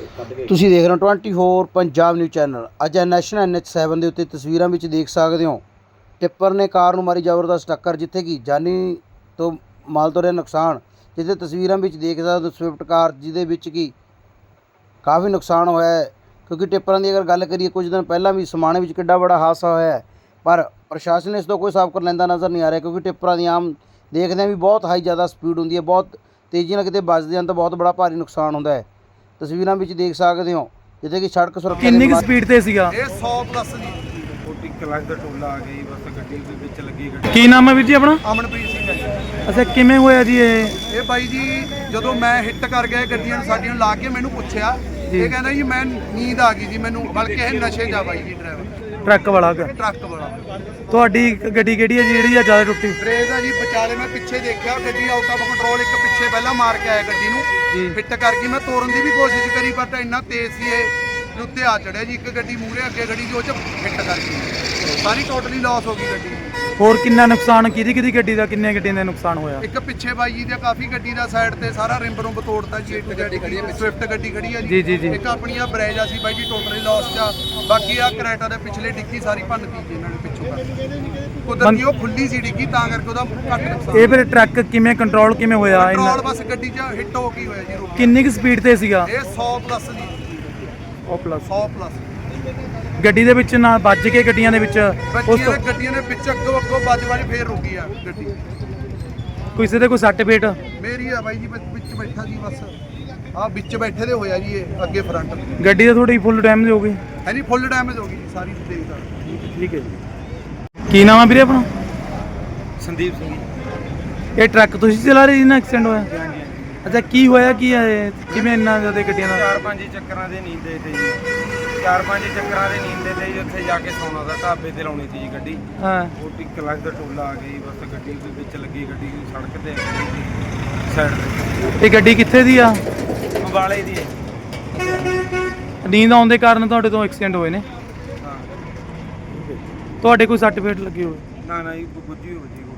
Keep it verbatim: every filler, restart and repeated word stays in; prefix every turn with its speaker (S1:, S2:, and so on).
S1: ਤੁਸੀਂ ਦੇਖ ਰਹੇ ਹੋ twenty four Punjab news channel. ਅੱਜ ਨੈਸ਼ਨਲ ਐਨ ਐਚ ਸੈਵਨ ਦੇ ਉੱਤੇ ਤਸਵੀਰਾਂ ਵਿੱਚ ਦੇਖ ਸਕਦੇ ਹੋ ਟਿੱਪਰ ਨੇ ਕਾਰ ਨੂੰ ਮਾਰੀ ਜ਼ਬਰਦਸਤ ਟੱਕਰ, ਜਿੱਥੇ ਕਿ ਜਾਨੀ ਤੋਂ ਮਾਲ ਤੋਂ ਰਿਹਾ ਨੁਕਸਾਨ। ਜਿੱਥੇ ਤਸਵੀਰਾਂ ਵਿੱਚ ਦੇਖ ਸਕਦੇ ਹੋ ਸਵਿਫਟ ਕਾਰ, ਜਿਹਦੇ ਵਿੱਚ ਕਿ ਕਾਫੀ ਨੁਕਸਾਨ ਹੋਇਆ ਹੈ। ਕਿਉਂਕਿ ਟਿੱਪਰਾਂ ਦੀ ਅਗਰ ਗੱਲ ਕਰੀਏ, ਕੁਝ ਦਿਨ ਪਹਿਲਾਂ ਵੀ ਸਮਾਣੇ ਵਿੱਚ ਕਿੱਡਾ ਬੜਾ ਹਾਦਸਾ ਹੋਇਆ ਹੈ, ਪਰ ਪ੍ਰਸ਼ਾਸਨ ਇਸ ਤੋਂ ਕੋਈ ਸਾਬਕਾ ਲੈਂਦਾ ਨਜ਼ਰ ਨਹੀਂ ਆ ਰਿਹਾ। ਕਿਉਂਕਿ ਟਿੱਪਰਾਂ ਦੀ ਆਮ ਦੇਖਦੇ ਹਾਂ ਵੀ ਬਹੁਤ ਹਾਈ ਜ਼ਿਆਦਾ ਸਪੀਡ ਹੁੰਦੀ ਹੈ, ਬਹੁਤ ਤੇਜ਼ੀ ਨਾਲ ਕਿਤੇ ਵੱਜਦੇ ਹਨ ਤਾਂ ਬਹੁਤ ਬੜਾ ਭਾਰੀ ਨੁਕਸਾਨ ਹੁੰਦਾ ਹੈ। ਤਸਵੀਰਾਂ ਵਿੱਚ ਦੇਖ ਸਕਦੇ ਹੋ ਜਿੱਥੇ ਕਿ ਸੜਕ ਸੁਰੱਖਿਆ
S2: ਕਿੰਨੀ ਕੁ ਸਪੀਡ ਤੇ ਸੀਗਾ
S3: ਇਹ ਸੌ ਪਲੱਸ ਜੀ। ਕੋਟੀ ਕਲੱਚ ਦਾ ਟੋਲਾ ਆ ਗਈ, ਬਸ ਗੱਡੀ ਦੇ ਵਿੱਚ ਲੱਗੀ ਗੱਡੀ।
S2: ਕੀ ਨਾਮ ਹੈ ਵੀਰ ਜੀ ਆਪਣਾ?
S3: ਅਮਨਪ੍ਰੀਤ ਸਿੰਘ ਹੈ ਜੀ।
S2: ਅੱਛਾ, ਕਿਵੇਂ ਹੋਇਆ ਜੀ ਇਹ?
S3: ਇਹ ਬਾਈ ਜੀ ਜਦੋਂ ਮੈਂ ਹਿੱਟ ਕਰ ਗਿਆ ਗੱਡੀਆਂ ਨੂੰ ਸਾਡੀਆਂ ਨੂੰ ਲਾ ਕੇ ਮੈਨੂੰ ਪੁੱਛਿਆ, ਇਹ ਕਹਿੰਦਾ ਜੀ ਮੈਂ ਨੀਂਦ ਆ ਗਈ ਜੀ ਮੈਨੂੰ, ਬਲਕਿ ਇਹ ਨਸ਼ੇ 'ਚ ਆ ਬਾਈ ਜੀ ਡਰਾਈਵਰ
S2: ਟਰੱਕ ਵਾਲਾ
S3: ਟਰੱਕ ਵਾਲਾ।
S2: ਤੁਹਾਡੀ ਗੱਡੀ ਕਿਹੜੀ ਹੈ ਜੀ ਜਿਹੜੀ ਆ ਜ਼ਿਆਦਾ ਟੁੱਟੀ?
S3: ਬ੍ਰੇਕ ਆ ਜੀ ਵਿਚਾਲੇ, ਮੈਂ ਪਿੱਛੇ ਦੇਖਿਆ ਗੱਡੀ ਆਊਟ ਆਫ ਕੰਟਰੋਲ, ਇੱਕ ਪਿੱਛੇ ਪਹਿਲਾਂ ਮਾਰ ਕੇ ਆਇਆ ਗੱਡੀ ਨੂੰ, ਹਿੱਟ ਕਰ ਗਈ। ਮੈਂ ਤੋਰਨ ਦੀ ਵੀ ਕੋਸ਼ਿਸ਼ ਕਰੀ ਪਰ ਇੰਨਾ ਤੇਜ਼ ਸੀ ਇਹ ਉੱਤੇ ਆ ਚੜਿਆ ਜੀ। ਇੱਕ ਗੱਡੀ ਮੂਹਰੇ ਅੱਗੇ ਗੱਡੀ ਦੀ ਉਹ 'ਚ ਹਿੱਟ ਕਰ ਗਈ, ਸਾਰੀ ਟੋਟਲੀ ਲਾਸ ਹੋ ਗਈ ਗੱਡੀ।
S2: ਹੋਰ ਕਿੰਨਾ ਨੁਕਸਾਨ, ਕਿਹਦੀ ਕਿਹਦੀ ਗੱਡੀ ਦਾ, ਕਿੰਨੇ ਗੱਡੀਆਂ ਦਾ ਨੁਕਸਾਨ ਹੋਇਆ?
S3: ਇੱਕ ਪਿੱਛੇ ਬਾਈ ਜੀ ਦਾ ਕਾਫੀ ਗੱਡੀ ਦਾ ਸਾਈਡ ਤੇ ਸਾਰਾ ਰਿੰਬ ਰੁੰਬ ਤੋੜਤਾ ਜੀ। ਇੱਕ ਗੱਡੀ ਖੜੀ ਹੈ, ਸਵਿਫਟ ਗੱਡੀ ਖੜੀ ਹੈ
S2: ਜੀ ਜੀ ਜੀ।
S3: ਇੱਕ ਆਪਣੀ ਆ ਬਰੇਜਾ ਸੀ ਬਾਈ ਜੀ, ਟੋਟਲੀ ਲਾਸ ਚ। ਬਾਕੀ ਆ ਕਰੈਟਾ ਦੇ ਪਿਛਲੇ ਡਿੱਗੀ ਸਾਰੀ ਭੰਨਤੀ ਜੀ ਇਹਨਾਂ ਨੇ ਪਿੱਛੋਂ ਕਰ। ਕੁਦਰਤੀ ਉਹ ਖੁੱਲੀ ਸੀ ਡਿੱਗੀ, ਤਾਂ ਕਰਕੇ ਉਹਦਾ ਘੱਟ ਨੁਕਸਾਨ।
S2: ਇਹ ਫਿਰ ਟਰੱਕ ਕਿਵੇਂ ਕੰਟਰੋਲ ਕਿਵੇਂ ਹੋਇਆ?
S3: ਕੰਟਰੋਲ ਬਸ ਗੱਡੀ 'ਚ ਹਿੱਟ ਹੋ ਗਈ ਹੋਇਆ ਜੀ, ਰੁਕ।
S2: ਕਿੰਨੀ ਕੁ ਸਪੀਡ ਤੇ ਸੀਗਾ
S3: ਇਹ ਸੌ ਪਲੱਸ ਜੀ।
S2: ਉਹ ਪਲੱਸ
S3: ਸੌ ਪਲੱਸ
S2: ਗੱਡੀ ਦੇ ਵਿੱਚ ਨਾ ਵੱਜ ਕੇ ਗੱਡੀਆਂ ਦੇ ਵਿੱਚ ਉਸ
S3: ਬੱਚੀਆਂ
S2: ਤੋਂ
S3: ਨੇ ਗੱਡੀਆਂ ਦੇ ਵਿੱਚ ਅੱਗੋਂ ਅੱਗੋਂ ਵੱਜ ਵੱਜ ਫੇਰ ਰੁਕੀ ਆ ਗੱਡੀ।
S2: ਕਿਸੇ ਦੇ ਕੋਈ ਸੱਟ ਫੇਟ?
S3: ਮੇਰੀ ਆ ਬਾਈ ਜੀ, ਵਿੱਚ ਬੈਠਾ ਜੀ ਬਸ ਆ ਵਿੱਚ ਬੈਠੇ ਦੇ ਹੋਇਆ ਜੀ ਇਹ ਅੱਗੇ ਫਰੰਟ।
S2: ਗੱਡੀ ਦਾ ਥੋੜੀ ਫੁੱਲ ਡੈਮੇਜ ਹੋ ਗਈ?
S3: ਹੈ ਨਹੀਂ, ਫੁੱਲ ਡੈਮੇਜ ਹੋ ਗਈ ਜੀ ਸਾਰੀ, ਦੇਖ ਸਕਦੇ।
S2: ਠੀਕ ਹੈ ਜੀ। ਕੀ ਨਾਮ ਹੈ ਵੀਰੇ ਆਪਣਾ?
S3: ਸੰਦੀਪ ਸਿੰਘ।
S2: ਇਹ ਟਰੱਕ ਤੁਸੀਂ ਚਲਾ ਰਹੇ ਜੀ ਨਾ ਐਕਸੀਡੈਂਟ ਹੋਇਆ? ਅੱਛਾ, ਕੀ ਹੋਇਆ ਕੀ ਹੈ ਇਹ? ਕਿਵੇਂ ਇੰਨਾ ਜ਼ਿਆਦਾ ਗੱਡੀਆਂ ਦਾ?
S3: ਚਾਰ ਪੰਜ ਚੱਕਰਾਂ ਦੇ ਨੀਂਦੇ ਤੇ ਜੀ, ਚਾਰ ਪੰਜ ਚੱਕਰਾਂ ਦੇ ਨੀਂਦੇ ਤੇ ਜੀ। ਉੱਥੇ ਜਾ ਕੇ ਸੌਣਾ ਦਾ, ਢਾਬੇ ਤੇ ਲਾਉਣੀ ਸੀ ਜੀ ਗੱਡੀ।
S2: ਹਾਂ,
S3: ਕੋਟੀ ਕਲੱਚ ਦਾ ਟੋਲਾ ਆ ਗਈ, ਬਸ ਗੱਡੀ ਦੇ ਵਿੱਚ ਲੱਗੀ ਗੱਡੀ ਸੜਕ ਤੇ ਸਾਈਡ ਤੇ।
S2: ਇਹ ਗੱਡੀ ਕਿੱਥੇ ਦੀ ਆ?
S3: ਅੰਬਾਲੇ ਦੀ ਹੈ।
S2: ਨੀਂਦ ਆਉਣ ਦੇ ਕਾਰਨ ਤੁਹਾਡੇ ਤੋਂ ਐਕਸੀਡੈਂਟ ਹੋਏ ਨੇ?
S3: ਹਾਂ,
S2: ਤੁਹਾਡੇ ਕੋਈ ਸੱਟ ਫੇਟ ਲੱਗੀ ਹੋਵੇ?
S3: ਨਾ ਨਾ ਜੀ, ਗੁੱਜੀ ਹੋ ਜੀ।